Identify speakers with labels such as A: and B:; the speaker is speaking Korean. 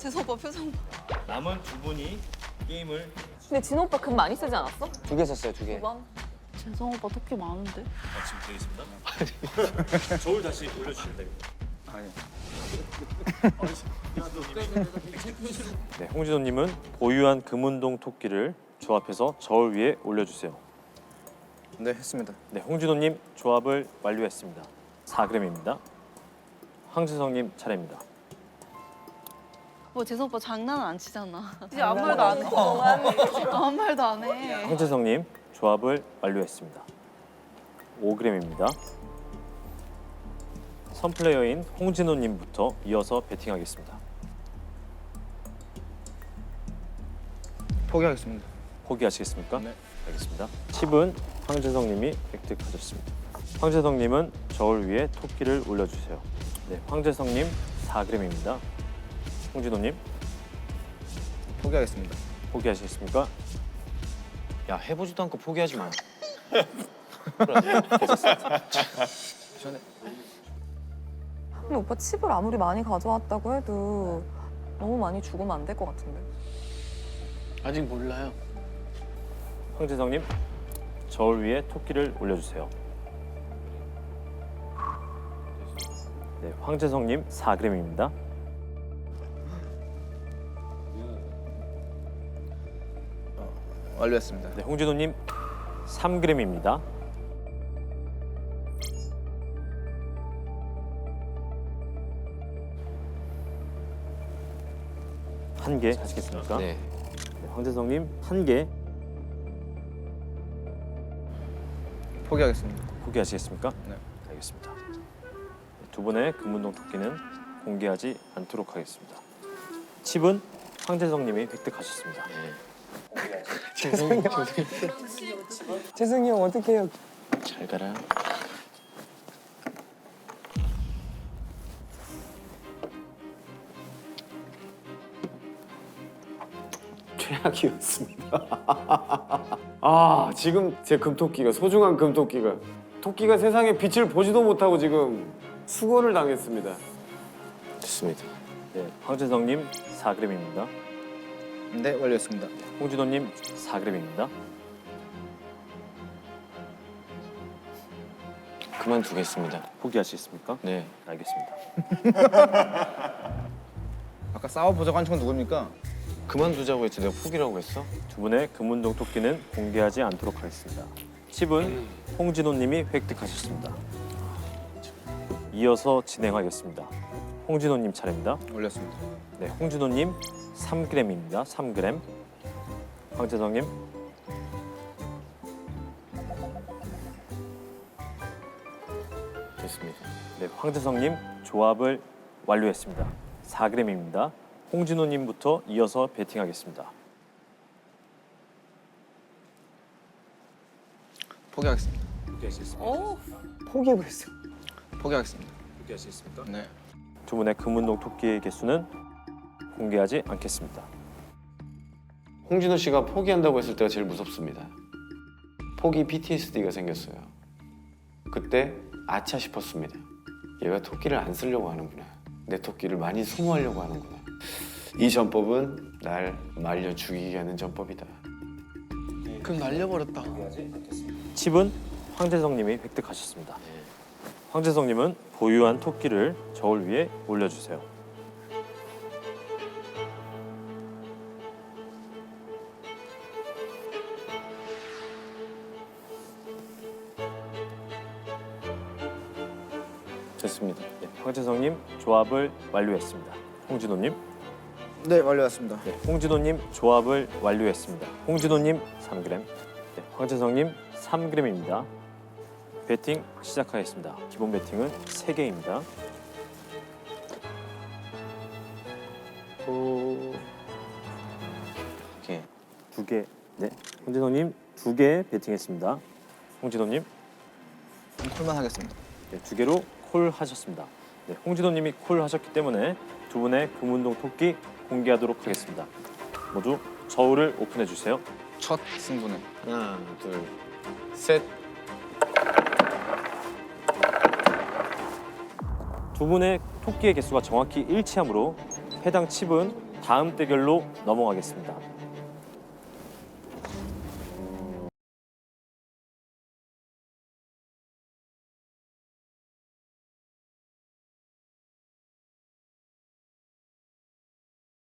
A: 재성 오빠 표정 봐.
B: 남은 두 분이 게임을
C: 근데 진호 오빠 금 많이 쓰지 않았어?
D: 2개 썼어요, 2개.
C: 두 번?
A: 재성 오빠 토끼 많은데?
B: 지금 되겠습니다. 저울 다시 올려주시면 됩니다.
D: 아니.
B: 네, 홍진호님은 보유한 금운동 토끼를 조합해서 저울 위에 올려주세요.
D: 네, 했습니다.
B: 네, 홍진호님 조합을 완료했습니다. 4g입니다. 황재성님 차례입니다.
A: 뭐 재성 오빠 장난은 안 치잖아. 이제
C: 아무
A: 아무 말도 안 해.
C: 동안
A: 아무 말도 안 해.
B: 황재성님 조합을 완료했습니다. 5g입니다. 선플레이어인 홍진호님부터 이어서 배팅하겠습니다.
D: 포기하겠습니다.
B: 포기하시겠습니까?
D: 네.
B: 알겠습니다. 칩은 황재성님이 획득하셨습니다. 황재성님은 저울 위에 토끼를 올려주세요. 네, 황재성님 4g입니다. 홍진호님
D: 포기하겠습니다.
B: 포기하시겠습니까?
E: 야, 해보지도 않고 포기하지 마.
C: 근데 오빠 칩을 아무리 많이 가져왔다고 해도 너무 많이 죽으면 안 될 것 같은데.
E: 아직 몰라요.
B: 황재성님 저울 위에 토끼를 올려주세요. 네, 황재성님 4g입니다.
D: 완료했습니다.
B: 네, 홍진호님 3g입니다. 한 개 하시겠습니까?
E: 네.
B: 네, 황재성님 1개
D: 포기하겠습니다.
B: 포기하시겠습니까?
D: 네.
B: 알겠습니다. 네, 두 분의 금운동 토끼는 공개하지 않도록 하겠습니다. 칩은 황재성님이 획득하셨습니다.
D: 재승이 형 어떻게 해요?
E: 잘 가라.
F: 최악이었습니다. 아, 지금 제 금토끼가 소중한 금토끼가 토끼가 세상에 빛을 보지도 못하고 지금 수고를 당했습니다.
E: 됐습니다.
B: 네, 황재성님 4g입니다.
D: 네, 완료했습니다.
B: 홍진호님 4g입니다.
E: 그만두겠습니다.
B: 포기하시겠습니까?
E: 네.
B: 알겠습니다.
D: 아까 싸워보자고 한 친구는 누굽니까?
E: 그만두자고 했지 내가 포기라고 했어?
B: 두 분의 금운동 토끼는 공개하지 않도록 하겠습니다. 칩은 홍진호님이 획득하셨습니다. 이어서 진행하겠습니다. 홍진호님 차례입니다.
D: 올렸습니다.
B: 네, 홍진호님 3g입니다. 3g. 황재성님
E: 됐습니다.
B: 네, 황재성님 조합을 완료했습니다. 4g입니다. 홍진호님부터 이어서 배팅하겠습니다.
D: 포기하겠습니다.
A: 오.
D: 포기해버렸어요. 포기하겠습니다.
B: 포기하시겠습니까?
D: 네.
B: 두 분의 금운동 토끼의 개수는 공개하지 않겠습니다.
F: 홍진호 씨가 포기한다고 했을 때가 제일 무섭습니다. 포기 PTSD가 생겼어요. 그때 아차 싶었습니다. 얘가 토끼를 안 쓰려고 하는구나. 내 토끼를 많이 소모하려고 하는구나. 이 전법은 날 말려 죽이게 하는 전법이다.
E: 그럼 날려버렸다.
B: 칩은 황재성님이 획득하셨습니다. 황재성님은 보유한 토끼를 저울 위에 올려주세요.
E: 됐습니다.
B: 네, 황재성님 조합을 완료했습니다. 홍진호님,
D: 네, 완료했습니다.
B: 네, 홍진호님 조합을 완료했습니다. 홍진호님 3g, 네, 황재성님 3g입니다. 배팅 시작하겠습니다. 기본 배팅은 3개입니다.
E: 이렇게
B: 2개, 네, 홍진호님 2개 배팅했습니다. 홍진호님
D: 콜만 하겠습니다.
B: 네, 2개로 콜 하셨습니다. 네, 홍진호님이 콜 하셨기 때문에 두 분의 금운동 토끼 공개하도록 하겠습니다. 모두 저울을 오픈해 주세요.
D: 첫 승부는
F: 하나, 둘, 셋.
B: 두 분의 토끼의 개수가 정확히 일치하므로 해당 칩은 다음 대결로 넘어가겠습니다.